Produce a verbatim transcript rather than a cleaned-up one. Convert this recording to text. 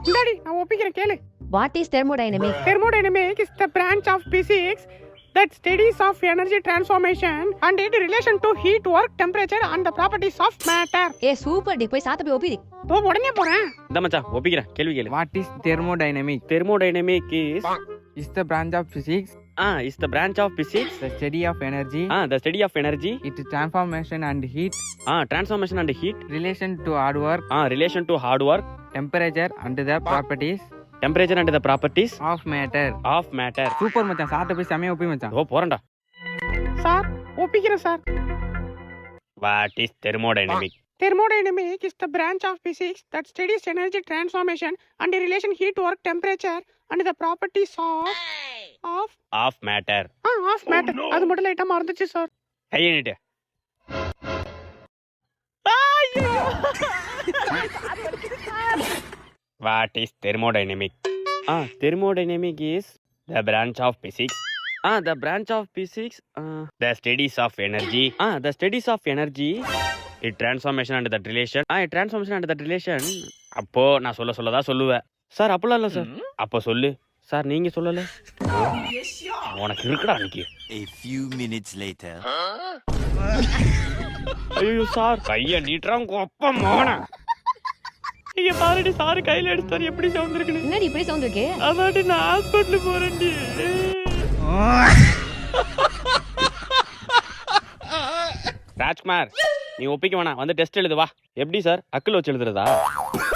இந்தாடி நான் ஒப்பிக்கிறேன் கேளு. What is thermodynamic? Thermodynamic is the branch of physics that studies of energy transformation and its relation to heat, work, temperature and the properties of matter. ஏ super டி, போய் சாத்த போய் ஒப்பிடி. தோ உடனே போறேன். இந்த மச்சான் ஒப்பிக்கிறேன் கேள்வி கேளு. What is thermodynamic? Thermodynamic is Is the branch of physics, ah is the branch of physics, the study of energy, ah the study of energy, its transformation and heat, ah transformation and heat, relation to hard work, ah relation to hard work, temperature and the properties temperature and the properties of matter. of matter. Super மச்சான், சாப்பிட்ட போய் செமையா ஒப்பி மச்சான். ஓ போறேன்டா. Sir ஒப்பிக்கிறேன் sir. What is thermodynamic? Thermodynamic is the branch of physics that studies energy transformation and the relation heat, work, temperature and the properties of of of matter. ah of matter. அது மட்டும் லைட்டா மறந்துச்சு sir. கையை நீட்டு. What is thermodynamic? Ah thermodynamic is the branch of physics. Ah the branch of physics, uh, the studies of energy. Ah the studies of energy, it transformation and that relation. Ah it transformation and that relation. அப்போ நான் சொல்ல சொல்லதா சொல்லுவேன் sir. அப்பலாம் இல்ல sir. அப்போ சொல்லு sir, நீங்க சொல்லல. உனக்கு இருக்குடா அன்னைக்கு. A few minutes later. ஐயோ சார், கைய நீட்டுறான் கொப்ப மோன. நீங்க பாருடி சார் கையில எடுத்தாரு எப்படி சவுண்ட் இருக்குன்னு. என்னடி இப்படி சவுண்ட் இருக்கு? அதாடி நான் ஹாஸ்பிடல் போறேன்டி. ராஜ்குமார், நீ ஒப்பிக்க வேணாம், வந்து டெஸ்ட் எழுது வா. எப்படி சார், அக்கில் வச்சு எழுதுறதா?